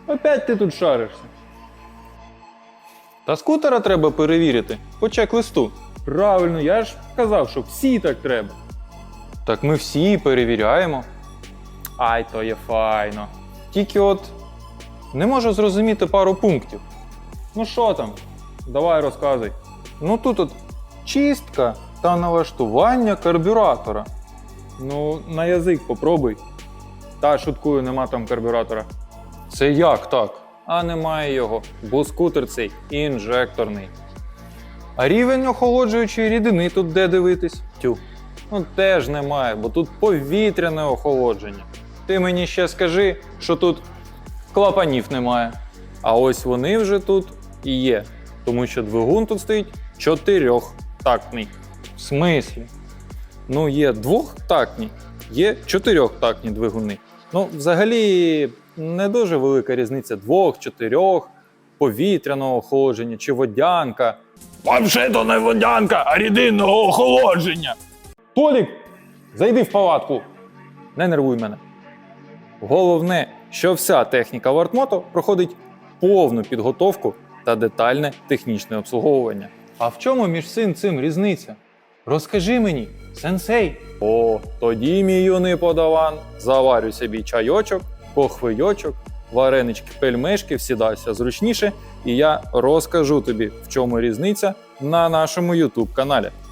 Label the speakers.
Speaker 1: Опять ти тут шаришся. Та скутера треба перевірити по чек-листу. Правильно, я ж казав, що всі так треба. Так ми всі перевіряємо. Ай, то є файно. Тільки от не можу зрозуміти пару пунктів. Ну що там? Давай розказуй. Ну тут от чистка та налаштування карбюратора. Ну, на язик попробуй. Та шуткую, нема там карбюратора. Це як так? А немає його, бо скутер цей інжекторний. А рівень охолоджуючої рідини тут де дивитись? Тю. Ну теж немає, бо тут повітряне охолодження. Ти мені ще скажи, що тут клапанів немає. А ось вони вже тут і є. Тому що двигун тут стоїть 4-тактний. В смислі? Ну є 2-тактні, є 4-тактні двигуни. Ну, взагалі, не дуже велика різниця 2-4, повітряного охолодження чи водянка. Взагалі-то не водянка, а рідинного охолодження. Толік, зайди в палатку. Не нервуй мене. Головне, що вся техніка Вартмото проходить повну підготовку та детальне технічне обслуговування. А в чому між цим різниця? Розкажи мені, сенсей. О, тоді, мій юний подаван, заварюй собі чайочок, похвийочок, варенички, пельмешки, всідайся зручніше, і я розкажу тобі, в чому різниця на нашому YouTube каналі.